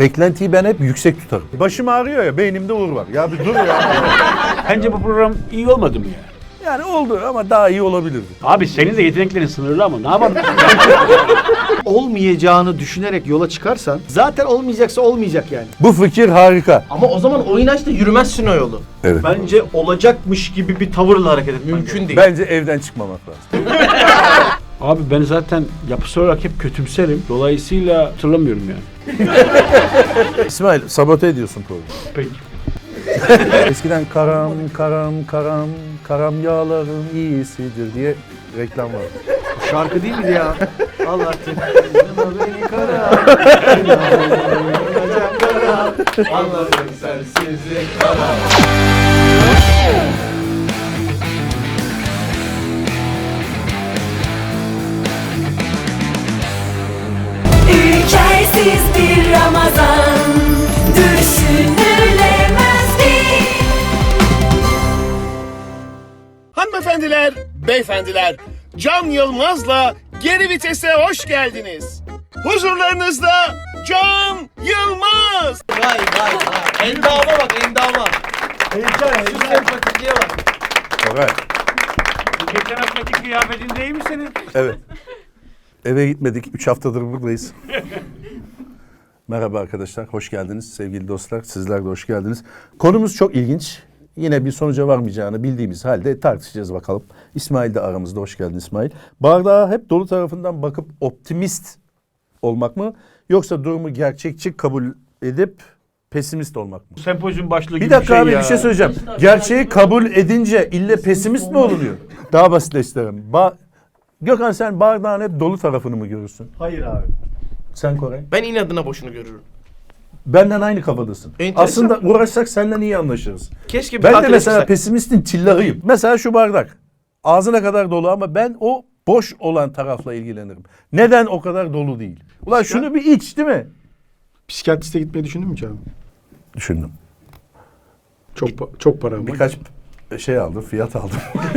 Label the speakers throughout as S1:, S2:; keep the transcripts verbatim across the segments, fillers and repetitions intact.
S1: Beklentiyi ben hep yüksek tutarım. Başım ağrıyor ya, beynimde uğur var. Ya bir dur ya.
S2: Bence bu program iyi olmadı mı ya?
S1: Yani oldu ama daha iyi olabilirdi.
S2: Abi senin de yeteneklerin sınırlı ama ne yapalım?
S3: Olmayacağını düşünerek yola çıkarsan zaten olmayacaksa olmayacak yani.
S1: Bu fikir harika.
S4: Ama o zaman oyun aç da yürümezsin o yolu.
S1: Evet.
S3: Bence olacakmış gibi bir tavırla hareket etmen
S4: Mümkün değil.
S1: Bence evden çıkmamak lazım.
S2: Abi ben zaten yapısal olarak hep kötümserim. Dolayısıyla hatırlamıyorum yani.
S1: İsmail, sabote ediyorsun programı.
S2: Peki.
S1: Eskiden karam karam karam karam yağların iyisidir diye reklam vardı.
S3: Şarkı değil miydi ya? Al artık. Beni kara. Anladım sensizlik kara.
S5: Ülkersiz bir Ramazan düşünülemez ki.
S6: Hanımefendiler, beyefendiler, Can Yılmaz'la Geri Vites'e hoş geldiniz. Huzurlarınızda Can Yılmaz.
S4: Vay vay vay. Endama bak endama.
S3: Heyecan,
S4: Şu sempatikliğe bak.
S1: Koray.
S2: Geçen haftaki kıyafetin değil mi senin?
S1: Evet. Eve gitmedik. Üç haftadır buradayız. Merhaba arkadaşlar. Hoş geldiniz sevgili dostlar. Sizler de hoş geldiniz. Konumuz çok ilginç. Yine bir sonuca varmayacağını bildiğimiz halde tartışacağız bakalım. İsmail de aramızda. Hoş geldin İsmail. Bardağa hep dolu tarafından bakıp optimist olmak mı? Yoksa durumu gerçekçi kabul edip pesimist olmak mı?
S2: Sempozyum başlığı gibi
S1: Bir dakika
S2: bir şey
S1: abi
S2: ya.
S1: bir şey söyleyeceğim. Gerçeği kabul edince ille pesimist mi olunuyor? Daha basitleştirelim. Ba Gökhan sen bardağın hep dolu tarafını mı görürsün?
S3: Hayır abi.
S1: Sen Koray.
S4: Ben inadına boşunu görürüm.
S1: Benden aynı kafadasın.
S4: Enteresan.
S1: Aslında uğraşsak senden iyi anlaşırız.
S4: Keşke bir
S1: Ben de
S4: tatile
S1: mesela
S4: çıksak.
S1: pesimistin tillahıyım. Mesela şu bardak. Ağzına kadar dolu ama ben o boş olan tarafla ilgilenirim. Neden o kadar dolu değil? Ulan şunu bir iç değil mi?
S3: Psikiyatriste gitmeyi düşündün mü canım?
S1: Düşündüm.
S3: Çok pa- çok para ama.
S1: Birkaç şey aldım, fiyat aldım.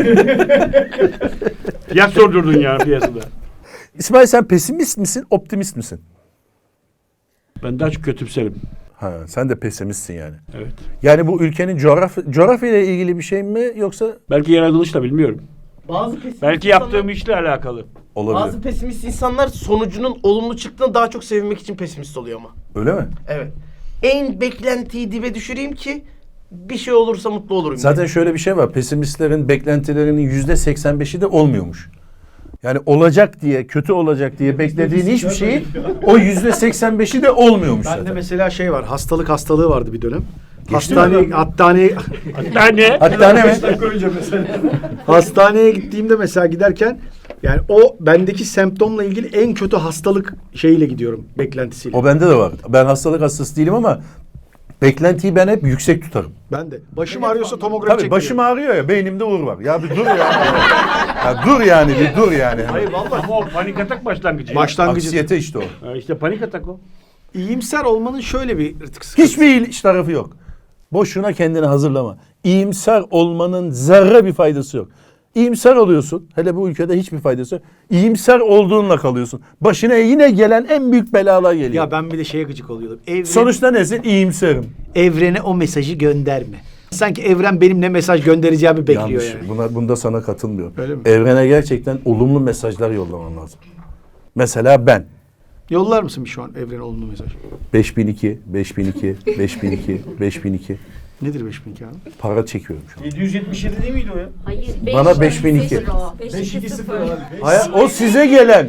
S2: Fiyat sordurdun ya piyasada.
S1: İsmail sen pesimist misin, optimist misin?
S2: Ben daha çok kötümserim.
S1: Ha, sen de pesimistsin yani.
S2: Evet.
S1: Yani bu ülkenin coğrafya, coğrafya ile ilgili bir şey mi yoksa
S2: Belki yaratılışla bilmiyorum.
S4: Bazı pesimist
S2: Belki
S4: insanlar-
S2: yaptığım işle alakalı.
S1: olabilir?
S4: Bazı pesimist insanlar sonucunun olumlu çıktığını daha çok sevinmek için pesimist oluyor ama.
S1: Öyle mi?
S4: Evet. En beklentiyi dibe düşüreyim ki bir şey olursa mutlu olurum.
S1: Zaten şöyle bir şey var. Pesimistlerin beklentilerinin yüzde seksen beşi de olmuyormuş. Yani olacak diye, kötü olacak diye beklediğin hiçbir şeyin o yüzde seksen beşi de olmuyormuş
S3: Bende
S1: zaten.
S3: mesela şey var. Hastalık hastalığı vardı bir dönem.
S1: Geçti mi?
S3: Hastane, hastane,
S2: Hatta ne?
S1: Hatta ne mi?
S3: hastaneye gittiğimde mesela giderken yani o bendeki semptomla ilgili en kötü hastalık şeyiyle gidiyorum. Beklentisiyle.
S1: O bende de var. Ben hastalık hastası değilim ama beklentiyi ben hep yüksek tutarım.
S3: Ben de. Başım ağrıyorsa tomografi
S1: Tabii
S3: çektiriyorum.
S1: başım ağrıyor ya, beynimde uğur var. Ya bir dur ya. Ya dur yani, bir dur yani.
S3: Hayır vallahi.
S2: Ama o panik atak başlangıcı.
S3: Başlangıcı.
S1: Aksiyete işte o.
S2: Ha, işte panik atak o.
S3: İyimser olmanın şöyle bir sıkıntısı.
S1: Hiçbir iş tarafı yok. Boşuna kendini hazırlama. İyimser olmanın zerre bir faydası yok. İyimser oluyorsun. Hele bu ülkede hiçbir faydası yok. İyimser olduğunla kalıyorsun. Başına yine gelen en büyük belalar geliyor.
S3: Ya ben bir de şeye gıcık oluyordum. Evren,
S1: Sonuçta nesin? İyimserim.
S3: evrene o mesajı gönderme. Sanki evren benim ne mesaj göndereceğimi bekliyor
S1: Yanlış.
S3: yani.
S1: Buna, bunda sana katılmıyorum.
S3: Öyle mi?
S1: Evrene gerçekten olumlu mesajlar yollaman lazım. Mesela ben.
S3: Yollar mısın bir şu an evrene olumlu mesaj?
S1: beş bin iki, beş bin iki, beş bin iki, beş bin iki
S3: Nedir beş bin iki abi?
S1: para çekiyorum şu an.
S7: yedi yüz yetmiş yedi değil miydi o ya?
S5: Hayır.
S1: Bana beş bin iki.
S5: beş iki sıfır.
S1: Hayır, o size gelen.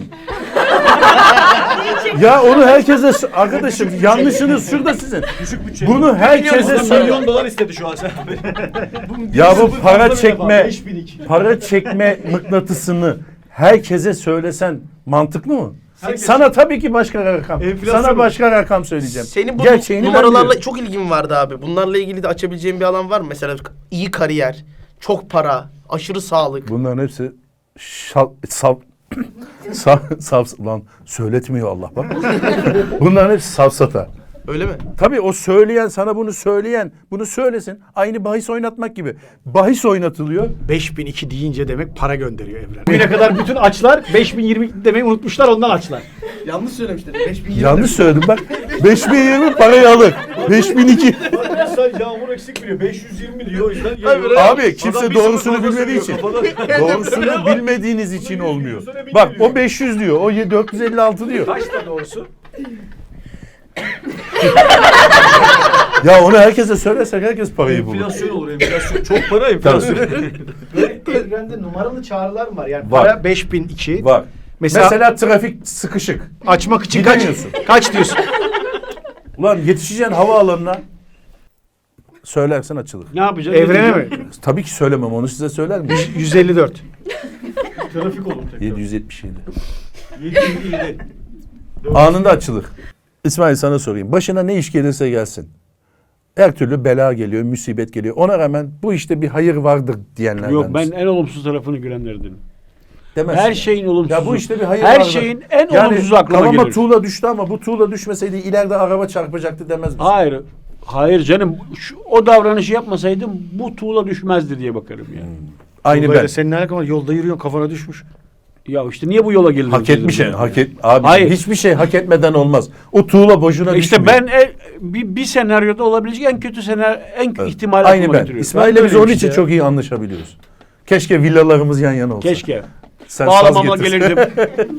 S1: Ya onu herkese s- arkadaşım yanlışınız şurada sizin.
S7: Düşük bütçe.
S1: Bunu herkese
S7: Adam
S1: söyle.
S7: milyon dolar istedi şu an sen.
S1: Ya bu para
S7: Fazla
S1: çekme,
S7: beş bin iki.
S1: para çekme mıknatısını herkese söylesen mantıklı mı?
S7: Herkes-
S1: Sana tabii ki başka rakam.
S7: Enflasyon
S1: Sana
S7: mu?
S1: başka rakam söyleyeceğim.
S4: Senin bu
S1: Gerçeğini ben
S4: numaralarla
S1: biliyorum.
S4: çok ilgin vardı abi. Bunlarla ilgili de açabileceğin bir alan var mı? Mesela iyi kariyer, çok para, aşırı sağlık.
S1: Bunların hepsi şal, sav, sav, sav, lan söyletmiyor Allah bak. Bunların hepsi safsata.
S4: Öyle mi?
S1: Tabii o söyleyen, sana bunu söyleyen, bunu söylesin. Aynı bahis oynatmak gibi. Bahis oynatılıyor.
S3: beş bin iki deyince demek para gönderiyor Evren. Bugüne kadar bütün açlar beş bin yirmi demeyi unutmuşlar, ondan açlar.
S4: Yanlış söylemişler. beş bin yirmi
S1: Yanlış söyledim bak. beş bin yirmi parayı alır. beş bin iki.
S7: Sen yağmur eksik biliyor. beş yüz yirmi diyor o yüzden
S4: Abi,
S7: geliyor.
S1: Abi kimse
S7: Adam bir
S1: doğrusunu
S7: soru fazla
S1: bilmediği için.
S7: söylüyor kafadan.
S1: Doğrusunu bilmediğiniz için olmuyor.
S7: Sonra bin
S1: Bak
S7: diyor.
S1: o beş yüz diyor. O dört yüz elli altı diyor.
S7: Kaç da doğrusu?
S1: Ya onu herkese söylersek herkes parayı bulur.
S7: Enflasyon olur enflasyon. Çok para enflasyon.
S3: Evrende numaralı çağrılar mı var? Yani
S1: Var.
S3: para beş bin iki.
S1: Var.
S3: Mesela,
S1: Mesela trafik sıkışık.
S3: açmak için kaç?
S1: Gidemiyorsun.
S3: Kaç diyorsun?
S1: Ulan yetişeceksin havaalanına. Söylersen açılır.
S2: Ne yapacaksın?
S3: Evrene mi?
S1: Tabii ki söylemem, onu size söyler miyim?
S3: yüz elli dört.
S7: Trafik olur tekrar.
S1: yedi yüz yetmiş yedi.
S7: yedi yüz yedi.
S1: Anında açılır. İsmail sana sorayım. Başına ne iş gelirse gelsin. Her türlü bela geliyor, musibet geliyor. Ona rağmen bu işte bir hayır vardır diyenlerden
S2: Yok, ben
S1: misin?
S2: en olumsuz tarafını görenlerdenim.
S1: Demezsin.
S2: Her şeyin olumsuzu.
S1: Ya bu işte bir hayır
S2: Her
S1: vardır.
S2: şeyin en
S1: Yani
S2: olumsuzu aklıma
S1: kafama
S2: gelir.
S1: tuğla düştü ama bu tuğla düşmeseydi ileride araba çarpacaktı demez misin?
S2: Hayır. Hayır canım. Şu, o davranışı yapmasaydım bu tuğla düşmezdi diye bakarım yani.
S1: Aynı
S3: Böyle
S1: ben.
S3: senin ne alakan var? Yolda yürüyorsun, kafana düşmüş.
S2: Ya işte niye bu yola geldin?
S1: Hak etmiş yani. Hak et, abi
S2: Hayır.
S1: hiçbir şey hak etmeden olmaz. O tuğla boşuna
S2: İşte
S1: düşmüyor.
S2: ben e, bir, bir senaryoda olabilecek en kötü senaryo, en
S1: Evet.
S2: ihtimal
S1: Aynı
S2: aklıma
S1: ben.
S2: getiriyorum.
S1: İsmail'le
S3: Ben de
S1: biz
S3: öyleyim
S1: onun
S3: işte
S1: için
S3: ya.
S1: çok iyi anlaşabiliyoruz. Keşke villalarımız yan yana olsa.
S2: Keşke.
S1: Sen
S2: Bağlamamla
S1: saz getir.
S2: gelirdim.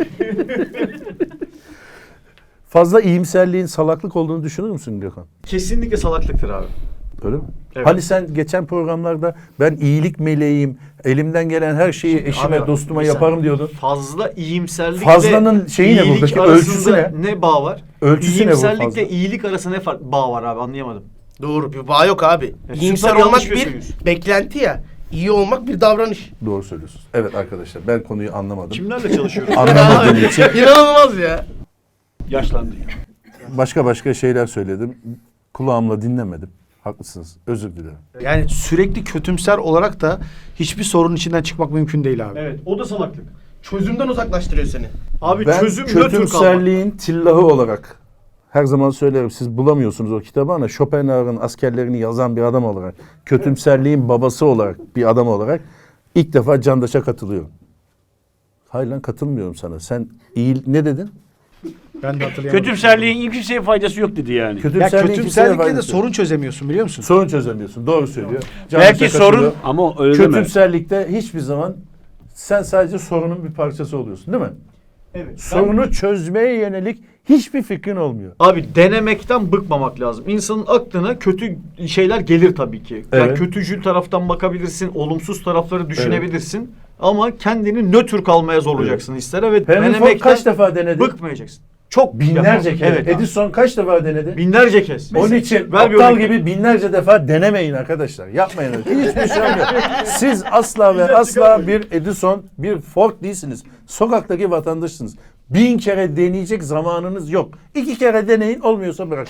S1: Fazla iyimserliğin salaklık olduğunu düşünür müsün Gökhan?
S7: Kesinlikle salaklıktır abi.
S1: Öyle mi?
S7: Evet.
S1: Hani sen geçen programlarda ben iyilik meleğim, elimden gelen her şeyi eşime,
S7: Abi,
S1: dostuma
S7: bir
S1: yaparım
S7: saniye.
S1: diyordun.
S7: Fazla iyimserlik
S1: Fazlanın
S7: ve
S1: şeyi ne
S7: iyilik
S1: buradaki?
S7: arasında
S1: Ölçüsü ne?
S7: Ne bağ var?
S1: Ölçüsü ne bu fazla?
S7: İyimserlikle iyilik arasında ne fark bağ var abi, anlayamadım.
S4: Doğru, bir bağ yok abi.
S7: Ya,
S4: İyimser
S7: süper
S4: olmak
S7: yanlış
S4: bir
S7: gösteriyorsun.
S4: beklenti ya. İyi olmak bir davranış.
S1: Doğru söylüyorsunuz. Evet arkadaşlar ben konuyu anlamadım.
S7: Kimlerle çalışıyorum?
S1: Anlamadığım için
S4: İnanılmaz ya.
S2: Yaşlandı ya.
S1: başka başka şeyler söyledim. Kulağımla dinlemedim. Haklısınız. Özür dilerim.
S3: Yani sürekli kötümser olarak da hiçbir sorunun içinden çıkmak mümkün değil abi.
S7: Evet, o da salaklık.
S4: Çözümden uzaklaştırıyor seni.
S7: Abi
S1: Ben
S7: çözüm nötr kalmak.
S1: kötümserliğin tillahı olarak her zaman söylerim, siz bulamıyorsunuz o kitabı ama Schopenhauer'ın askerlerini yazan bir adam olarak, kötümserliğin babası olarak bir adam olarak ilk defa Candaş'a katılıyorum. Hayır lan, katılmıyorum sana. Sen iyi ne dedin?
S3: Ben de hatırlayamadım.
S2: Kötümserliğin kimseye faydası yok dedi yani.
S3: Ya
S1: Kötümserliğin kimseye
S3: kötümserlikle de
S1: faydası yok.
S3: sorun çözemiyorsun, biliyor musun?
S1: sorun çözemiyorsun. Doğru söylüyor. Candaş'a
S2: Belki sorun
S1: katılıyorum.
S2: ama öyle deme.
S1: Kötümserlikte hiçbir zaman sen sadece sorunun bir parçası oluyorsun, değil mi?
S7: Evet.
S1: Sorunu çözmeye yönelik hiçbir fikrin olmuyor.
S7: Abi denemekten bıkmamak lazım. İnsanın aklına kötü şeyler gelir tabii ki. Yani
S1: Evet.
S7: kötücül taraftan bakabilirsin, olumsuz tarafları düşünebilirsin. Ama kendini nötr kalmaya zorlayacaksın ister ve
S1: Henry Ford
S7: denemekten
S1: kaç defa denedi?
S7: bıkmayacaksın. Çok
S1: Binlerce
S7: yapar.
S1: kere.
S7: Evet. abi.
S1: Edison kaç defa denedi?
S7: Binlerce kez.
S1: Onun için
S7: Ver bir
S1: aptal
S7: örnek.
S1: gibi binlerce defa denemeyin arkadaşlar. Yapmayın. Hiçbir şey olmuyor. Siz asla ve asla bir Edison, bir Ford değilsiniz. Sokaktaki vatandaşsınız. Bin kere deneyecek zamanınız yok. İki kere deneyin, olmuyorsa bırakın.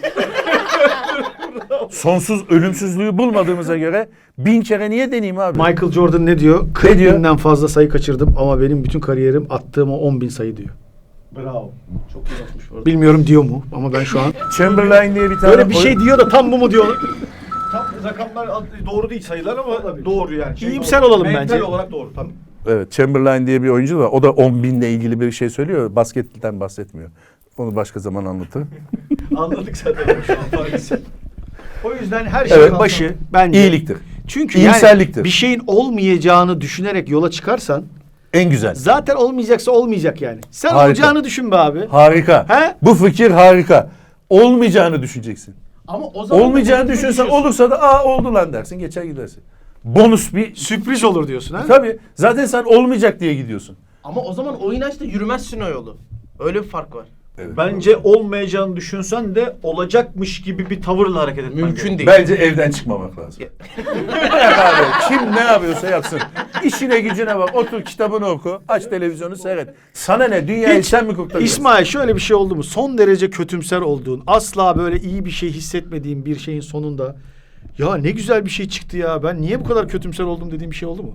S1: Sonsuz ölümsüzlüğü bulmadığımıza göre bin kere niye deneyeyim abi?
S3: Michael Jordan ne diyor?
S1: Ne
S3: kırk
S1: diyor?
S3: binden fazla sayı kaçırdım ama benim bütün kariyerim attığım o on bin sayı diyor.
S7: Bravo. Çok iyi yapmış bu arada.
S3: Bilmiyorum diyor mu ama ben şu an
S1: Chamberlain diye bir tane
S3: böyle bir şey diyor da tam bu mu diyor?
S7: Tam rakamlar doğru değil sayılar ama doğru yani. Şey
S3: İyimser
S7: doğru.
S3: olalım
S7: Mental
S3: bence.
S7: olarak doğru tabii.
S1: Evet, Chamberlain diye bir oyuncu var. O da on binle ilgili bir şey söylüyor. Basketten bahsetmiyor. Onu başka zaman anlatırım.
S7: Anladık zaten şu an farkı. O yüzden her şeyin
S1: Evet.
S3: Başı bence
S1: İyiliktir.
S3: Çünkü
S1: İyimserliktir.
S3: yani bir şeyin olmayacağını düşünerek yola çıkarsan
S1: En güzel.
S3: zaten olmayacaksa olmayacak yani. Sen
S1: Harika.
S3: olacağını düşün be abi.
S1: Harika.
S3: He?
S1: Bu fikir harika. Olmayacağını düşüneceksin.
S4: Ama o zaman
S1: Olmayacağını düşünsen olursa da aa oldu lan dersin, geçer gidersin. Bonus bir
S3: Sürpriz olur diyorsun ha?
S1: tabii. Zaten sen olmayacak diye gidiyorsun.
S4: Ama o zaman o inançla yürümezsin o yolu. Öyle bir fark var.
S7: Bence olmayacağını düşünsen de olacakmış gibi bir tavırla hareket etmen
S4: Mümkün
S7: gerek.
S4: değil.
S1: Bence evden çıkmamak lazım. Bırak abi. Kim ne yapıyorsa yapsın. İşine gücüne bak. Otur kitabını oku. Aç televizyonu seyret. Sana ne? Dünyayı
S3: Hiç-
S1: sen mi kurtaracaksın?
S3: İsmail şöyle bir şey oldu mu? Son derece kötümser olduğun, asla böyle iyi bir şey hissetmediğin bir şeyin sonunda ya ne güzel bir şey çıktı ya, ben niye bu kadar kötümser oldum dediğin bir şey oldu mu?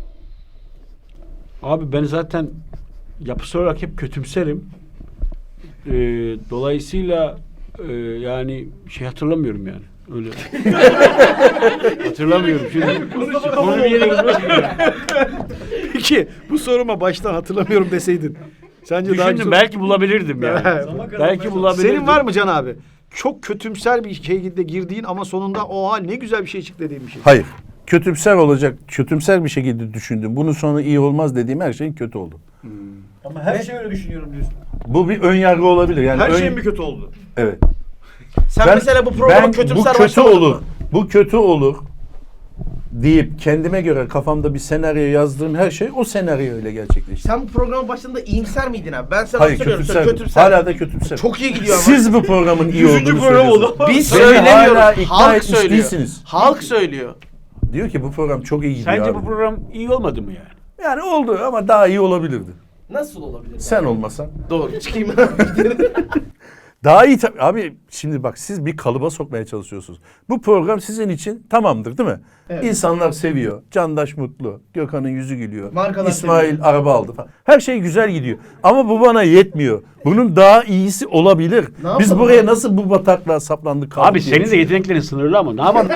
S2: Abi ben zaten yapısal olarak hep kötümserim. Ee, dolayısıyla e, yani şey hatırlamıyorum yani. Öyle. Hatırlamıyorum şimdi. Konu bir yere gitmiyor.
S3: Peki bu soruma baştan hatırlamıyorum deseydin. Sence daha
S2: Düşündüm
S3: güzel-
S2: belki bulabilirdim yani. Belki bulabilirdim.
S3: Senin var mı Can abi? Çok kötümser bir şekilde girdiğin ama sonunda oha ne güzel bir şey çıktı dediğin bir şey.
S1: Hayır. Kötümser olacak, kötümser bir şekilde düşündüm. Bunun sonu iyi olmaz dediğim her şeyin kötü oldu.
S7: Ama her şey öyle düşünüyorum diyorsun.
S1: Bu bir ön yargı olabilir. Yani
S7: Her
S1: ön-
S7: şeyin bir kötü oldu.
S1: Evet.
S4: Sen
S1: Ben-
S4: mesela bu programa
S1: ben
S4: kötümser
S1: bu kötü
S4: başlamadın
S1: olur.
S4: mı?
S1: Bu kötü olur deyip kendime göre kafamda bir senaryo yazdığım her şey o senaryo öyle gerçekleşti.
S4: Sen bu programın başında iyimser miydin abi? Ben sana
S1: Hayır,
S4: hatırlıyorum. Sen
S1: kötümser.
S4: kötümser.
S1: Hala da kötümser.
S4: Çok iyi gidiyor ama.
S1: Siz bu programın iyi olduğunu
S7: program
S1: söylüyorsunuz.
S7: oldu ama-
S4: Biz
S1: Beni
S4: söylemiyoruz.
S1: hala ikna
S4: Halk
S1: etmiş
S4: söylüyor.
S1: değilsiniz.
S4: Halk söylüyor.
S1: Diyor ki bu program çok iyi gidiyor
S2: Sence
S1: abi.
S2: bu program iyi olmadı mı yani?
S1: Yani oldu ama daha iyi olabilirdi.
S4: Nasıl olabilir?
S1: Sen olmasan.
S4: Doğru. Çıkayım.
S1: Daha iyi tabii. Abi şimdi bak siz bir kalıba sokmaya çalışıyorsunuz. Bu program sizin için tamamdır değil mi? İnsanlar seviyor. Candaş mutlu. Gökhan'ın yüzü gülüyor.
S4: Markalar
S1: İsmail
S4: seviyor.
S1: araba aldı falan. Her şey güzel gidiyor. Ama bu bana yetmiyor. Bunun daha iyisi olabilir.
S4: Ne
S1: Biz
S4: yapalım
S1: buraya
S4: abi?
S1: nasıl bu bataklığa saplandık kaldık
S2: Abi
S1: diye
S2: senin de
S1: düşünüyorum.
S2: yeteneklerin sınırlı ama ne yapalım?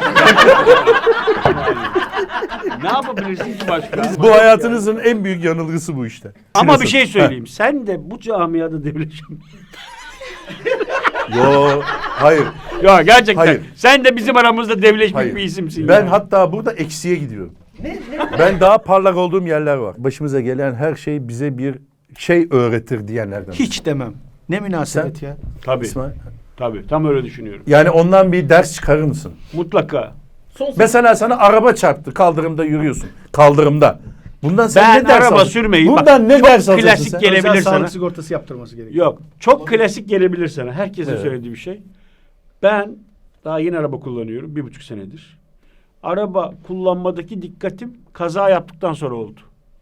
S2: Ne yapabilirsin ki başka?
S1: Bu hayatınızın en büyük yanılgısı bu işte.
S2: Ama bir
S1: Şurası.
S2: şey söyleyeyim. Sen de bu camiada devleşim.
S1: Heh. Yo, hayır.
S2: Ya gerçekten.
S1: Hayır.
S2: Sen de bizim aramızda devleşmiş
S1: Hayır.
S2: bir isimsin.
S1: Ben
S2: ya.
S1: hatta burada eksiye gidiyorum. Ben daha parlak olduğum yerler var. Başımıza gelen her şey bize bir şey öğretir diyenlerden.
S3: Hiç demem. Ne münasebet ya.
S2: Tabii.
S1: İsmail.
S2: Tabii. Tam öyle düşünüyorum.
S1: Yani ondan bir ders çıkarır mısın?
S2: Mutlaka.
S4: Son
S1: Mesela sana araba çarptı, kaldırımda yürüyorsun. Kaldırımda. Bundan sen
S2: Ben
S1: ne ders
S2: araba
S1: alırsın?
S2: sürmeyi
S1: Bundan
S2: bak,
S1: ne
S2: çok
S1: ders alırsın
S2: klasik
S1: sen?
S2: gelebilir
S3: Özel
S2: sana.
S3: sağlık sigortası yaptırması gerekiyor.
S2: Yok. Çok klasik gelebilir sana. Herkesin
S1: Evet.
S2: söylediği bir şey. Ben daha yeni araba kullanıyorum. Bir buçuk senedir. Araba kullanmadaki dikkatim kaza yaptıktan sonra oldu.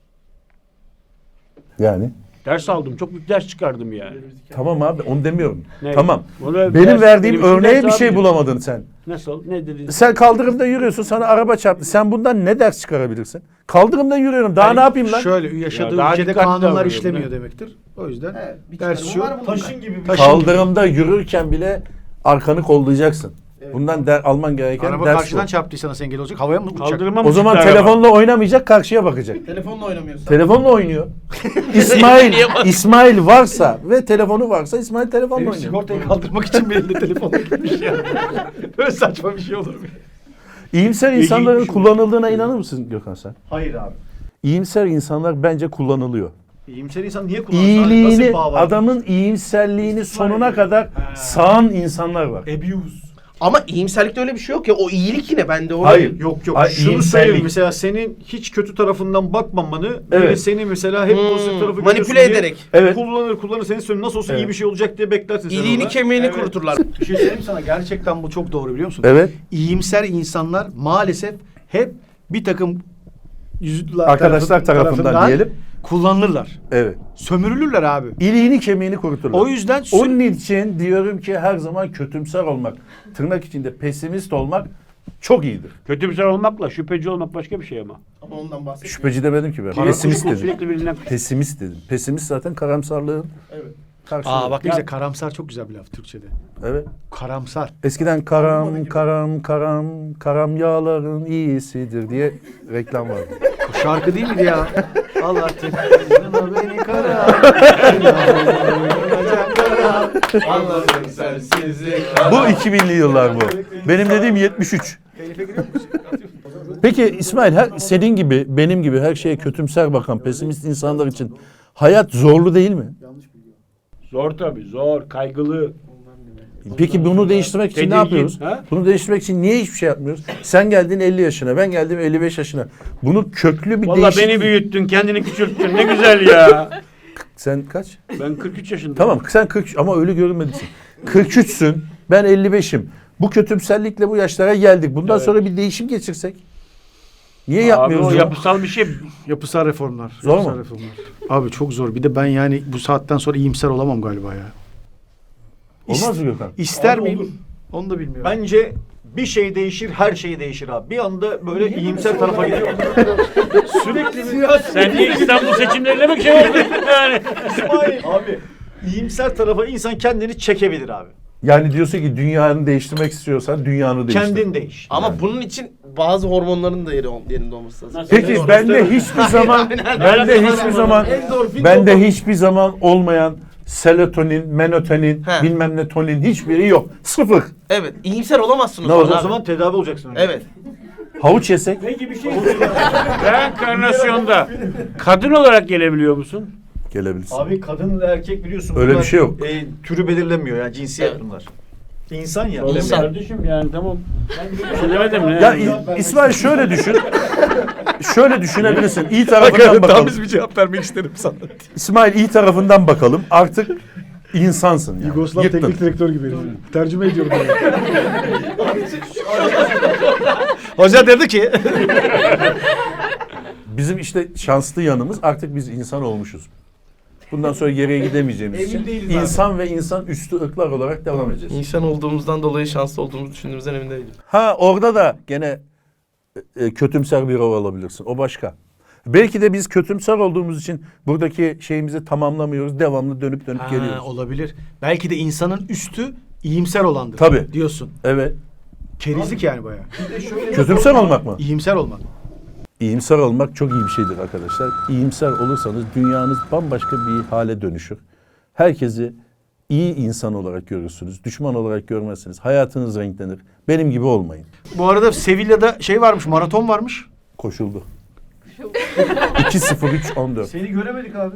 S1: Yani.
S2: Ders aldım. Çok büyük ders çıkardım yani.
S1: Tamam abi onu demiyorum.
S2: Ne?
S1: Tamam.
S2: Onu
S1: Benim
S2: ders-
S1: verdiğim
S2: benim için
S1: örneğe
S2: ders
S1: bir şey
S2: abi.
S1: bulamadın sen.
S2: Nasıl? Ne dedin?
S1: Sen kaldırımda yürüyorsun, sana araba çarptı. Sen bundan ne ders çıkarabilirsin? Kaldırımda yürüyorum. Daha
S3: Yani
S1: ne yapayım lan?
S3: Şöyle yaşadığı
S2: Ya daha
S3: ülkede
S2: dikkatli
S3: kanunlar
S2: davranıyorum,
S3: işlemiyor
S2: ne?
S3: demektir. O yüzden
S4: Evet, bir
S3: ders
S4: çıkarımı
S3: şu.
S4: var bunun.
S7: Taşın gibi bir
S3: Taşın
S1: Kaldırımda yürürken bile arkanı kollayacaksın. Bundan der, alman gereken
S3: Araba
S1: ders
S3: karşıdan
S1: bu.
S3: çarptıysa nasıl engel olacak? Havaya mı uçacak?
S2: Kaldırıma mı
S1: O zaman
S2: çıktı araba?
S1: telefonla oynamayacak, karşıya bakacak.
S4: Telefonla oynamıyorsun.
S1: Telefonla oynuyor. İsmail İsmail varsa ve telefonu varsa İsmail telefonla
S3: Benim
S1: oynuyor.
S3: sigortayı kaldırmak için bir elinde telefonla gitmiş ya. Böyle saçma bir şey olur mu?
S1: İyimser
S2: İlginç
S1: insanların
S2: bir şey.
S1: kullanıldığına inanır mısın Gökhan sen?
S7: Hayır abi.
S1: İyimser insanlar bence kullanılıyor.
S7: İyimser insan niye kullansın? abi? Nasıl
S1: İyiliğini,
S7: bir bağ var?
S1: adamın iyimserliğini sonuna kadar sağan insanlar var.
S7: Abuse.
S4: Ama iyimserlikte öyle bir şey yok ya. O iyilik yine bende. O
S1: Hayır.
S7: Yok yok.
S1: Ay,
S7: Şunu
S1: iyimserlik.
S7: söyleyeyim. Mesela senin hiç kötü tarafından bakmamanı,
S1: Evet.
S7: böyle seni mesela hep
S4: Hmm,
S7: pozitif tarafı
S4: manipüle
S7: görüyorsun diye
S4: ederek.
S1: Evet.
S7: kullanır kullanır seni söylüyor. Nasıl olsa
S1: Evet.
S7: iyi bir şey olacak diye beklersin sen
S4: İliğini
S7: orada.
S4: kemiğini
S7: Evet.
S4: kuruturlar.
S3: Bir şey söyleyeyim mi sana? Gerçekten bu çok doğru biliyor musun?
S1: Evet.
S3: İyimser insanlar maalesef hep bir takım yüzler
S1: Arkadaşlar tarafından diyelim.
S3: kullanılırlar.
S1: Evet.
S3: Sömürülürler abi.
S1: İliğini kemiğini kuruturlar.
S3: O yüzden sü-
S1: Onun için diyorum ki her zaman kötümser olmak, tırnak içinde pesimist olmak çok iyidir.
S2: Kötümser olmakla şüpheci olmak başka bir şey ama.
S4: Ama ondan bahsetmiyorum.
S1: Şüpheci demedim ki ben.
S2: Para
S1: Pesimist
S2: kuşku
S1: dedim.
S2: Sürekli birinden...
S1: Pesimist dedim. Pesimist zaten karamsarlığın
S4: Evet.
S1: karşılığı.
S3: Aa bak ne
S2: Ya-
S3: güzel karamsar çok güzel bir laf Türkçe'de.
S1: Evet.
S3: Karamsar.
S1: Eskiden karam karam karam karam yağların iyisidir diye reklam vardı.
S3: O şarkı değil miydi ya? Allah aşkına beni kara.
S4: Anladım sensizlik.
S1: Bu iki binli yıllar bu. Benim dediğim yetmiş üç. Peki İsmail her, senin gibi benim gibi her şeye kötümser bakan pesimist insanlar için hayat zorlu değil mi?
S2: Zor tabii. Zor. Kaygılı.
S1: Peki bunu değiştirmek için ne
S2: Tedirgin,
S1: yapıyoruz?
S2: ha?
S1: Bunu değiştirmek için niye hiçbir şey yapmıyoruz? Sen geldin elli yaşına, ben geldim elli beş yaşına. Bunu köklü bir
S2: Vallahi
S1: değişiklik...
S2: beni büyüttün, kendini küçülttün. Ne güzel ya.
S1: Sen kaç?
S2: Ben kırk üç yaşındayım.
S1: Tamam sen kırk ama öyle görünmedisin. kırk üçsün, ben elli beşim. Bu kötümserlikle bu yaşlara geldik. Bundan
S2: Evet.
S1: sonra bir değişim geçirsek. Niye
S2: Abi
S1: yapmıyoruz?
S2: o
S1: bunu?
S2: yapısal bir şey.
S3: Yapısal reformlar.
S1: Zor
S3: yapısal
S1: mu?
S3: reformlar. Abi çok zor. Bir de ben yani bu saatten sonra iyimser olamam galiba ya.
S1: Olmaz mı Gökhan?
S3: İster
S7: Abi
S3: miyim?
S7: olur.
S3: Onu da bilmiyorum.
S7: Bence bir şey değişir, her şey değişir abi. Bir anda böyle iyimser tarafa gidiyor.
S3: sürekli bir...
S2: Sen niye İstanbul seçimlerine mi şey oldun yani?
S7: İsmail abi İyimser tarafa insan kendini çekebilir abi.
S1: Yani diyorsun ki dünyanı değiştirmek istiyorsan dünyanı değiştir.
S7: Kendin değiş.
S4: Ama bunun için bazı hormonların da yeri yerinde olması lazım.
S2: Nasıl?
S1: Peki bende hiçbir zaman bende hiçbir zaman
S4: Endorfin,
S1: bende
S4: dopamin.
S1: hiçbir zaman olmayan serotonin, melatonin,
S4: He.
S1: bilmem ne tonin hiçbiri yok. Sıfır.
S4: Evet. iyimser olamazsın o
S1: Ne
S4: zaman.
S1: olacak?
S7: O
S4: abi.
S7: zaman tedavi olacaksın. önce.
S4: Evet.
S1: Havuç yesek
S2: Peki bir şey reenkarnasyonda kadın olarak gelebiliyor musun?
S1: gelebilirsin.
S7: Abi kadın ve erkek biliyorsun.
S1: Öyle
S7: bunlar,
S1: bir şey yok.
S7: E, türü belirlemiyor yani cinsiyet
S4: Evet.
S7: bunlar. İnsan ya.
S2: Öyle mi
S4: İnsan.
S2: kardeşim yani tamam. Ben bir şey demedim ne?
S1: Ya İ- İsmail şöyle düşün. Şöyle düşünebilirsin. İyi tarafından bakalım.
S7: bir cevap vermek isterim sana.
S1: İsmail iyi tarafından bakalım. Artık insansın yani.
S3: Yugoslav
S1: Yıktın.
S3: teknik direktör gibi. Tercüme ediyorum.
S7: Hoca dedi ki.
S1: Bizim işte şanslı yanımız artık biz insan olmuşuz. Bundan sonra geriye gidemeyeceğimiz için insan ve insan üstü ırklar olarak devam edeceğiz.
S4: İnsan olduğumuzdan dolayı şanslı olduğumuzu düşündüğümüzden emin değilim.
S1: Ha orada da gene e, kötümser bir rol alabilirsin. O başka. Belki de biz kötümser olduğumuz için buradaki şeyimizi tamamlamıyoruz. Devamlı dönüp dönüp
S3: Ha,
S1: geliyoruz.
S3: olabilir. Belki de insanın üstü iyimser olandır.
S1: Tabii.
S3: Diyorsun.
S1: Evet.
S3: Kerizlik yani bayağı.
S1: Kötümser olmak mı?
S3: İyimser olmak.
S1: İyimser olmak çok iyi bir şeydir arkadaşlar. İyimser olursanız dünyanız bambaşka bir hale dönüşür. Herkesi iyi insan olarak görürsünüz. Düşman olarak görmezsiniz. Hayatınız renklenir. Benim gibi olmayın.
S3: Bu arada Sevilla'da şey varmış, maraton varmış.
S1: Koşuldu. iki sıfır üç on dört.
S3: Seni göremedik abi.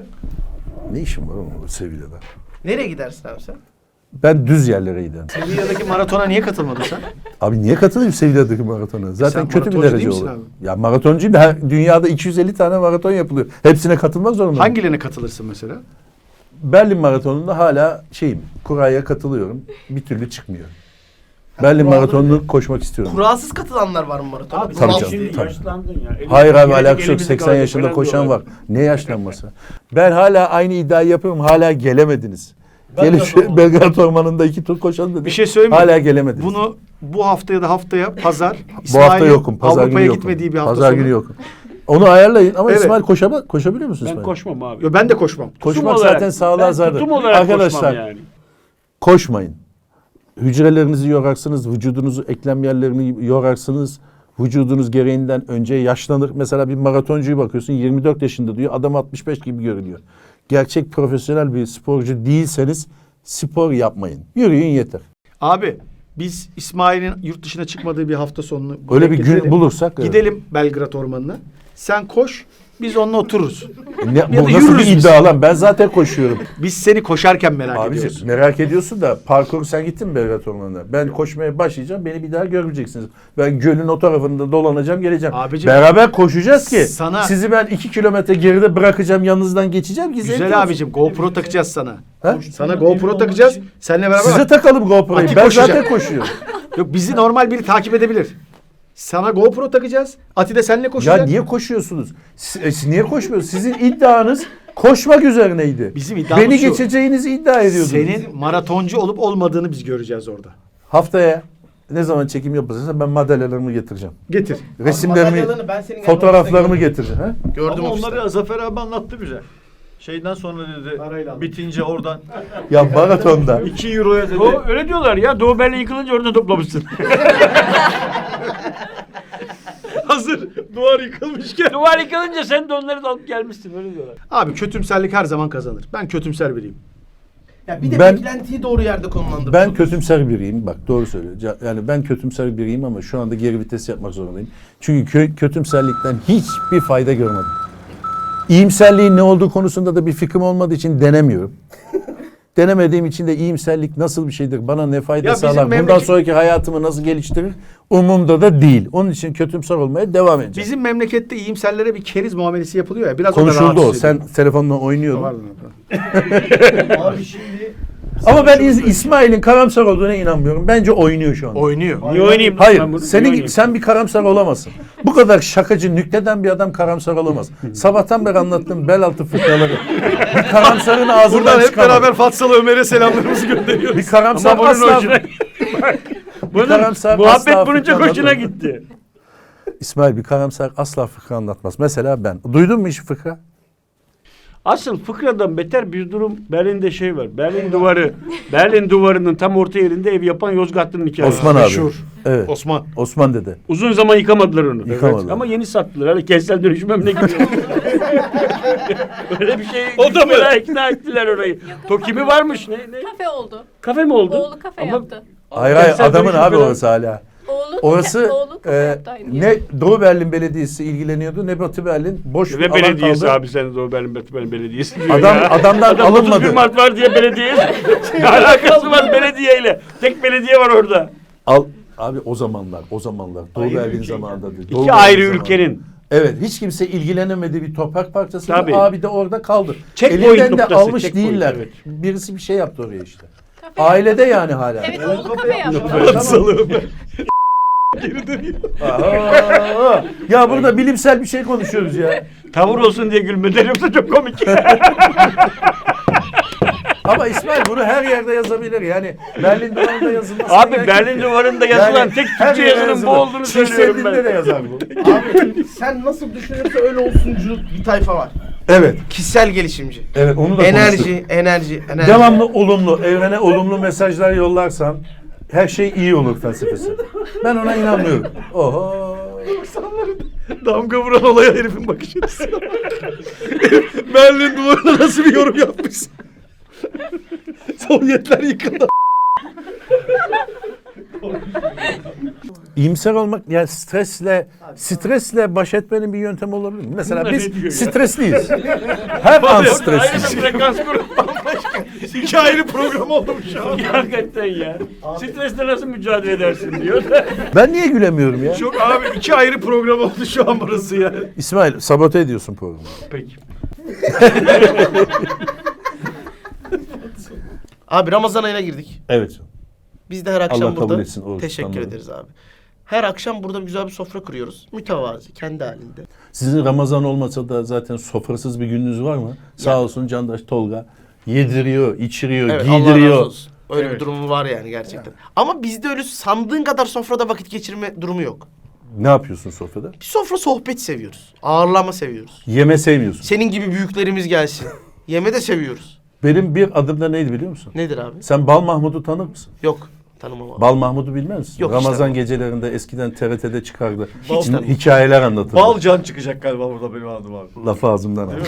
S1: Ne işim var oğlum Sevilla'da?
S4: Nereye gidersin abi sen?
S1: Ben düz yerlere giderim.
S3: Sevilla'daki maratona niye katılmadın sen?
S1: Abi niye katılayım Sevilla'daki maratona? Zaten
S3: Sen
S1: kötü bir
S3: maratoncu
S1: derece
S3: değil misin
S1: olur.
S3: abi?
S1: Ya maratoncuyum da her, dünyada iki yüz elli tane maraton yapılıyor. Hepsine katılmak zorundayım.
S3: Hangilerine katılırsın mesela?
S1: Berlin Maratonu'nda hala şeyim, kuraya katılıyorum. Bir türlü çıkmıyor. Berlin Maratonu'nu koşmak istiyorum.
S4: Kurasız katılanlar var mı maratona?
S2: Abi
S1: Tabii
S2: sen
S1: canım,
S2: şimdi
S1: tabii.
S2: yaşlandın ya. Elin-
S1: Hayır abi
S2: gelecek
S1: alakası yok.
S2: elimizi
S1: seksen
S2: kalacak
S1: yaşında
S2: falan
S1: koşan
S2: diyorlar.
S1: var. Ne yaşlanması? Ben hala aynı iddiayı yapıyorum. Hala gelemediniz. Gelin şu Belgrad Ormanı'nda iki tur koşalım dedim.
S3: Bir şey söyleyeyim mi?
S1: Hala gelemediniz.
S3: Bunu bu hafta ya da haftaya pazar.
S1: Bu hafta
S3: İsmail'in
S1: yokum. Pazar günü
S3: Avrupa'ya
S1: yokum.
S3: gitmediği bir hafta
S1: Pazar
S3: sonu.
S1: günü yokum. Onu ayarlayın ama
S3: Evet.
S1: İsmail koşama, koşabiliyor musun
S2: Ben
S1: İsmail?
S2: koşmam abi.
S3: Yo, ben de koşmam.
S1: Koşmak
S2: Tutum olarak-
S1: zaten sağlığa
S2: ben
S1: zararlı.
S2: tutum olarak
S1: Arkadaşlar
S2: koşmam yani.
S1: koşmayın. Hücrelerinizi yorarsınız, vücudunuzu, eklem yerlerini yorarsınız. Vücudunuz gereğinden önce yaşlanır. Mesela bir maratoncuyu bakıyorsun yirmi dört yaşında diyor. Adam altmış beş gibi görünüyor. Gerçek profesyonel bir sporcu değilseniz spor yapmayın. Yürüyün yeter.
S3: Abi biz İsmail'in yurt dışına çıkmadığı bir hafta sonunu
S1: Öyle bir gün
S3: getirelim.
S1: bulursak. evet.
S3: Gidelim Belgrad Ormanı'na. Sen koş, biz onunla otururuz.
S1: Ne,
S3: Ya da
S1: bu nasıl bir
S3: yürürüz biz.
S1: iddia lan? Ben zaten koşuyorum.
S3: Biz seni koşarken merak ediyoruz.
S1: Abiciğim merak ediyorsun da parkur sen gittin mi Belgrad Ormanı'na? Ben koşmaya başlayacağım. Beni bir daha görmeyeceksiniz. Ben gölün o tarafında dolanacağım geleceğim.
S3: Abicim,
S1: Beraber koşacağız ki
S3: sana-
S1: sizi ben iki kilometre geride bırakacağım. Yanınızdan geçeceğim ki zevkli olsun.
S3: Güzel abicim GoPro takacağız sana.
S1: Ha?
S3: Sana GoPro takacağız. Seninle beraber
S1: Size takalım GoPro'yu.
S3: Ati
S1: Ben
S3: koşacak.
S1: zaten koşuyorum.
S3: Yok bizi normal biri takip edebilir. Sana GoPro takacağız. Ati de seninle koşacak.
S1: Ya niye koşuyorsunuz? Siz, e, siz niye koşmuyorsunuz? Sizin iddianız koşmak üzerineydi.
S3: Bizim iddiamız
S1: Beni
S3: şu.
S1: geçeceğinizi iddia ediyordunuz.
S3: Senin maratoncu olup olmadığını biz göreceğiz orada.
S1: Haftaya ne zaman çekim yapılırsa ben madalyalarımı getireceğim.
S3: Getir.
S1: Resimlerimi,
S4: Madalyalarını ben senin
S1: fotoğraflarımı
S4: yanında
S1: getireceğim. Ha?
S4: Gördüm
S7: Ama
S4: ofiste.
S7: onları Zafer abi anlattı bize. Şeyden sonra dedi
S3: Parayla aldım.
S7: bitince oradan
S1: Ya maratonda.
S7: iki euroya dedi.
S2: Doğu, öyle diyorlar ya. Doğu Berlin yıkılınca orada toplamışsın.
S7: Hazır duvar yıkılmışken.
S2: Duvar yıkılınca sen de onları da alıp gelmişsin. Öyle diyorlar.
S3: Abi kötümserlik her zaman kazanır. Ben kötümser biriyim.
S4: Ya bir de
S1: Ben-
S4: beklentiyi doğru yerde konumlandırmak.
S1: Ben kötümser biriyim. Bak doğru söylüyor. Ca- Yani ben kötümser biriyim ama şu anda geri vites yapmak zorundayım. Çünkü kö- kötümserlikten hiçbir fayda görmedim. İyimserliğin ne olduğu konusunda da bir fikrim olmadığı için denemiyorum. Denemediğim için de iyimserlik nasıl bir şeydir, bana ne fayda
S3: Ya bizim
S1: sağlar, bundan
S3: memleket-
S1: sonraki hayatımı nasıl geliştirir umumda da değil. Onun için kötümser olmaya devam edeceğim.
S3: Bizim memlekette iyimserlere bir keriz muamelesi yapılıyor ya. Biraz o da
S1: Konuşuldu
S3: rahatsız
S1: o.
S3: ediyor.
S1: Sen telefonla oynuyordun.
S3: Pardon, pardon.
S7: Abi şimdi
S1: Ama ben İz- İsmail'in karamsar olduğuna inanmıyorum. Bence oynuyor şu anda.
S3: Oynuyor.
S2: Niye oynayayım?
S1: Hayır,
S2: Ben bunu-
S1: senin
S2: niye
S1: gibi
S2: oynayayım?
S1: sen bir karamsar olamazsın. Bu kadar şakacı, nükteden bir adam karamsar olamaz. Sabahtan beri anlattığım bel altı fıkraları. Bir karamsarın ağzından
S3: Buradan hep
S1: çıkamaz.
S3: beraber Fatsalı Ömer'e selamlarımızı gönderiyoruz.
S1: Bir karamsar
S2: Ama bunun
S1: asla...
S2: hoşuna... Bunun
S1: karamsar
S2: muhabbet
S1: asla
S2: bunun çok
S1: fıkra
S2: hoşuna
S1: anlatmaz.
S2: gitti.
S1: İsmail bir karamsar asla fıkra anlatmaz. Mesela ben. Duydun mu hiç fıkra?
S2: Asıl fıkradan beter bir durum Berlin'de şey var. Berlin duvarı. Berlin duvarının tam orta yerinde ev yapan Yozgatlı'nın hikayesi.
S1: Osman abi.
S3: Meşhur.
S1: Evet.
S3: Osman.
S1: Osman dede.
S2: Uzun zaman yıkamadılar onu.
S1: Yıkamadılar.
S2: Evet. Ama yeni sattılar. Hani kentsel dönüşüm ne gidiyor? Öyle bir şey.
S3: O da mı?
S2: İkna ettiler orayı. Tokimi varmış. Ne, ne?
S8: Kafe oldu.
S2: Kafe mi oldu?
S8: Oğlu kafe
S2: Ama
S8: yaptı.
S1: Hayır hayır
S2: Kentsel
S1: adamın
S2: dönüşüm
S1: abi
S2: falan.
S1: orası hala.
S8: Oğlu,
S1: Orası
S8: oğlu kafe
S1: e,
S8: yaptı aynı
S1: ne Doğu Berlin Belediyesi ilgileniyordu ne Batı Berlin. Boş bir
S2: Ve
S1: alan
S2: belediyesi
S1: kaldı.
S2: abi sen de o Berlin, Berlin Belediyesi diyor
S1: Adam
S2: ya.
S1: adamdan
S2: Adam otuz bir
S1: alınmadı.
S2: Mart var diye belediye. Ne alakası var belediyeyle? Tek belediye var orada.
S1: Al abi o zamanlar o zamanlar Doğu
S2: Ayrı
S1: Berlin
S2: ülke.
S1: zamanında. değil.
S2: İki
S1: Doğu
S2: ayrı
S1: Berlin zamanında.
S2: ülkenin.
S1: Evet hiç kimse ilgilenemediği bir toprak parçası.
S2: Tabii.
S1: Abi de orada kaldı.
S2: Checkpoint
S1: Elinden de
S2: noktası,
S1: almış
S2: checkpoint,
S1: değiller.
S2: evet.
S1: Birisi bir şey yaptı oraya işte.
S8: Kafe
S1: Ailede yani hala.
S8: Evet oğlu kafe yaptı.
S1: Aa, ya burada bilimsel bir şey konuşuyoruz ya.
S2: Tavır olsun diye gülmeden yoksa çok komik.
S1: Ama İsmail bunu her yerde yazabilir. Yani Berlin duvarında yazılması.
S2: Abi
S1: gerek
S2: Berlin
S1: yok.
S2: duvarında yazılan
S1: Yani
S2: tek
S1: her
S2: Türkçe
S1: yere
S2: yazının bu
S1: yazılır.
S2: olduğunu söylüyorum
S1: Çiğseldiğinde de
S2: ben.
S1: yazar bu.
S4: Abi sen nasıl düşünürse öyle olsuncu bir tayfa var.
S1: Evet.
S4: Kişisel gelişimci.
S1: Evet onu da konuştuk.
S4: Enerji, enerji, enerji.
S1: Devamlı olumlu, evrene olumlu mesajlar yollarsan her şey iyi olur felsefesi. Ben ona inanmıyorum. Oho.
S3: Damga vuran olaya herifin bakış açısı. Berlin duvarına nasıl bir yorum yapmışsın? Sovyetler yıkıldı.
S1: İyimser olmak yani stresle stresle baş etmenin bir yöntemi olabilir mi? Mesela
S2: Bunlar
S1: biz
S2: ne diyor ya?
S1: stresliyiz. Her an
S2: Ayrı
S1: stresliyiz.
S2: bir frekans grubu.
S3: İki ayrı program oldu şu an.
S2: Hakikaten ya. Stresle nasıl mücadele edersin diyor.
S1: Ben niye gülemiyorum ya?
S3: Çok abi iki ayrı program oldu şu an burası ya.
S1: İsmail sabote ediyorsun programı.
S2: Peki.
S4: Abi Ramazan ayına girdik.
S1: Evet.
S4: Biz de her akşam
S1: Allah kabul
S4: burada
S1: etsin oruç
S4: teşekkür
S1: tutanları.
S4: ederiz abi. Her akşam burada güzel bir sofra kuruyoruz. Mütevazi, kendi halinde.
S1: Sizin Ramazan olmasa da zaten sofrasız bir gününüz var mı? Sağ olsun Candaş Tolga yediriyor, içiriyor,
S4: Evet, Allah razı
S1: giydiriyor.
S4: olsun. Öyle bir durumu var yani gerçekten. Ama bizde öyle sandığın kadar sofrada vakit geçirme durumu yok.
S1: Ne yapıyorsun sofrada?
S4: Bir sofra sohbet seviyoruz. Ağırlama seviyoruz.
S1: Yeme sevmiyorsun.
S4: Senin gibi büyüklerimiz gelsin. Yeme de seviyoruz.
S1: Benim bir adım da neydi biliyor musun?
S4: Nedir abi?
S1: Sen Bal Mahmud'u tanır mısın?
S4: Yok. Tanımam abi.
S1: Bal Mahmud'u bilmez misin?
S4: Yok,
S1: Ramazan
S4: işte.
S1: gecelerinde eskiden T R T'de çıkardı.
S4: Hiç tanımam.
S1: Hikayeler anlatırdı.
S3: Balcan çıkacak galiba burada benim adım abi.
S1: Lafı ağzımdan aldı.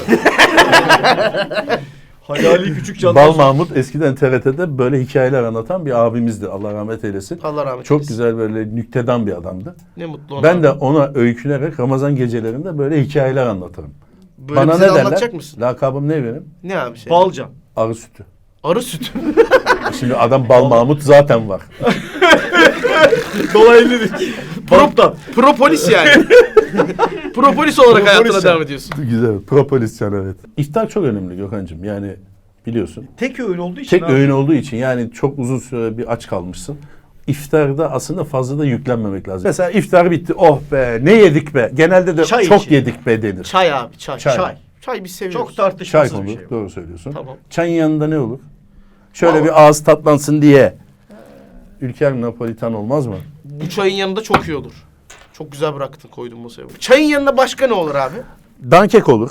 S3: Hayali küçük can.
S1: Bal Mahmud eskiden T R T'de böyle hikayeler anlatan bir abimizdi. Allah rahmet eylesin.
S4: Allah rahmet
S1: Çok
S4: eylesin.
S1: güzel böyle nüktedan bir adamdı.
S4: Ne mutlu ona.
S1: Ben de ona öykünerek Ramazan gecelerinde böyle hikayeler anlatırım.
S4: Böyle
S1: Bana
S4: bize
S1: ne
S4: de
S1: derler?
S4: anlatacak mısın?
S1: Lakabım ne benim?
S4: Ne abi şey?
S3: Balcan.
S1: Arı sütü.
S4: Arı sütü.
S1: Şimdi adam Bal Mahmud zaten var.
S3: Dolaylı dedik. Prop'tan.
S4: Propolis yani. Propolis olarak
S3: Propolis
S4: hayatına
S3: yani.
S4: devam ediyorsun.
S1: Güzel. Propolis can evet. İftar çok önemli Gökhan'cığım. Yani biliyorsun.
S3: Tek öğün olduğu için
S1: Tek
S3: abi.
S1: öğün olduğu için yani çok uzun süre bir aç kalmışsın. İftarda aslında fazla da yüklenmemek lazım. Mesela iftar bitti. Oh be ne yedik be. Genelde de
S3: Çay
S1: çok
S3: için.
S1: yedik be denir.
S4: Çay abi çay.
S1: Çay.
S4: Çay. Çay, biz seviyoruz.
S3: Çok
S1: Çay
S3: tartışmasız
S1: konulur.
S3: bir şey.
S1: Doğru söylüyorsun.
S4: Tamam.
S1: Çayın yanında ne olur? Şöyle
S4: Vallahi-
S1: bir ağız tatlansın diye. Ülker Napolitan olmaz mı?
S4: Bu çayın yanında çok iyi olur. Çok güzel bıraktın koydun masaya. Çayın yanında başka ne olur abi?
S1: Dankek olur.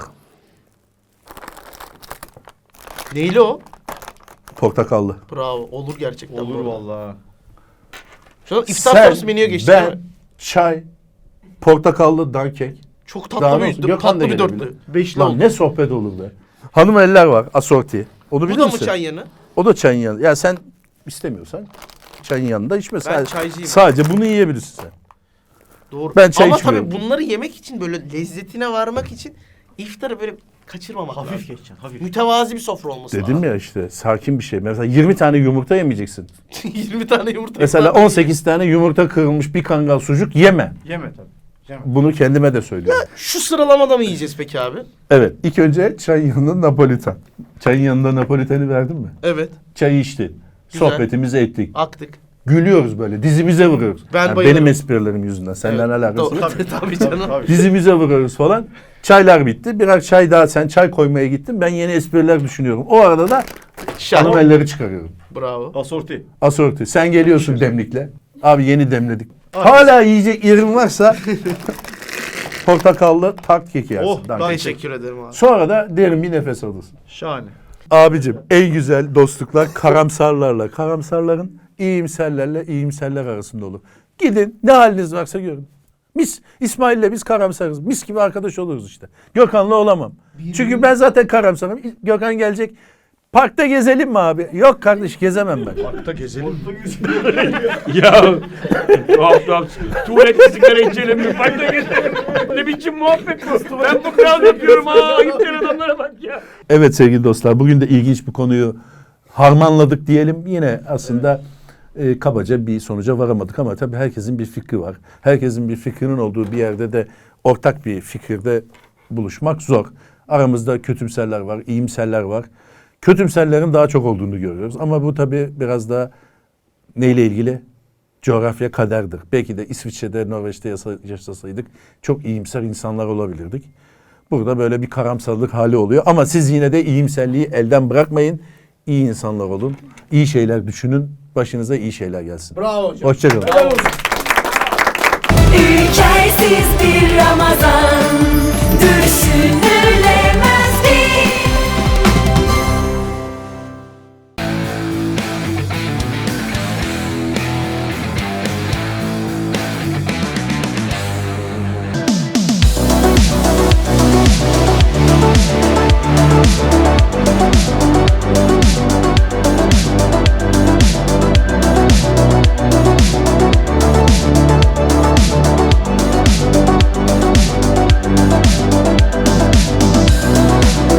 S4: Neyli o?
S1: Portakallı.
S4: Bravo. Olur gerçekten.
S3: Olur
S4: bu arada.
S3: vallahi.
S4: Şu an iftar
S1: Sen,
S4: sonrası menüye geçtik değil
S1: Ben,
S4: mi?
S1: çay, portakallı dankek.
S4: Çok
S1: Daha
S4: tatlı
S1: ne
S4: bir,
S1: olsun? Gökhan da
S4: tatlı bir
S1: gelebilir.
S4: dörtlü. Beşli
S1: Lan
S4: oldu.
S1: ne sohbet olur be. Hanım eller var asorti. Onu
S4: Bu
S1: bilir
S4: da mı
S1: misin?
S4: çay yanı?
S1: O da çayın yanında. Ya sen istemiyorsan çayın yanında içme. Sadece,
S4: çaycıyım.
S1: sadece bunu yiyebilirsin sen.
S4: Doğru.
S1: Ben çay
S4: Ama
S1: içmiyorum.
S4: tabii bunları yemek için böyle lezzetine varmak için iftarı böyle kaçırmamak
S3: Hafif
S4: lazım.
S3: geçeceksin hafif.
S4: Mütevazi bir sofra olması
S1: Dedim
S4: lazım.
S1: ya işte sakin bir şey. Mesela yirmi tane yumurta yemeyeceksin.
S4: yirmi tane yumurta.
S1: Mesela
S4: iftar
S1: on sekiz tane yumurta kırılmış bir kangal sucuk yeme.
S3: Yeme tabii. Yeme.
S1: Bunu kendime de söylüyorum.
S4: Şu sıralamada mı yiyeceğiz peki abi?
S1: Evet. İlk önce çayın yanında Napolitan. Çayın yanında Napolitan'ı verdin mi?
S4: Evet.
S1: Çayı içtin.
S4: Güzel.
S1: Sohbetimizi ettik.
S4: Aktık.
S1: Gülüyoruz böyle. Dizimize vuruyoruz.
S4: Ben
S1: Yani
S4: bayılırım.
S1: benim esprilerim yüzünden. Senden
S4: Evet.
S1: alakası
S4: Doğru.
S1: yok.
S4: Tabii, tabii canım.
S3: Tabii.
S1: Dizimize vuruyoruz falan. Çaylar bitti. Birer çay daha sen çay koymaya gittin. Ben yeni espriler düşünüyorum. O arada da
S4: Şahane.
S1: hanım elleri çıkarıyorum.
S4: Bravo.
S3: Asorti.
S1: Asorti. Sen geliyorsun demlikle. Abi yeni demledik. Hala yiyecek yerin varsa portakallı tart keki yersin.
S3: Oh,
S1: Dank.
S3: ben-
S4: Teşekkür ederim abi.
S1: Sonra da derin bir nefes alırsın.
S3: Şahane.
S1: Abicim en güzel dostluklar karamsarlarla, karamsarların iyimserlerle iyimserler arasında olur. Gidin ne haliniz varsa görün. Mis İsmail'le biz karamsarız. Mis gibi arkadaş oluruz işte. Gökhan'la olamam. Çünkü ben zaten karamsarım. Gökhan gelecek. Parkta gezelim mi abi? Yok kardeş gezemem ben.
S3: Parkta gezelim.
S2: Ya tuhaf tuhaf. Tuvalette sigara içelim. Parkta gezelim. Ne biçim muhabbet bu? Ben bu kral yapıyorum ha. Ayıp gelen adamlara bak ya.
S1: Evet sevgili dostlar bugün de ilginç bir konuyu harmanladık diyelim. Yine aslında e, kabaca bir sonuca varamadık ama tabii herkesin bir fikri var. Herkesin bir fikrinin olduğu bir yerde de ortak bir fikirde buluşmak zor. Aramızda kötümserler var, iyimserler var. Kötümserlerin daha çok olduğunu görüyoruz ama bu tabii biraz da neyle ilgili? Coğrafya kaderdir. Belki de İsviçre'de, Norveç'te yasa- yaşasaydık çok iyimser insanlar olabilirdik. Burada böyle bir karamsarlık hali oluyor. Ama siz yine de iyimserliği elden bırakmayın. İyi insanlar olun. İyi şeyler düşünün. Başınıza iyi şeyler gelsin.
S4: Bravo hocam.
S1: Hoşçakalın.
S5: Ülkersiz bir Ramazan. Düşünün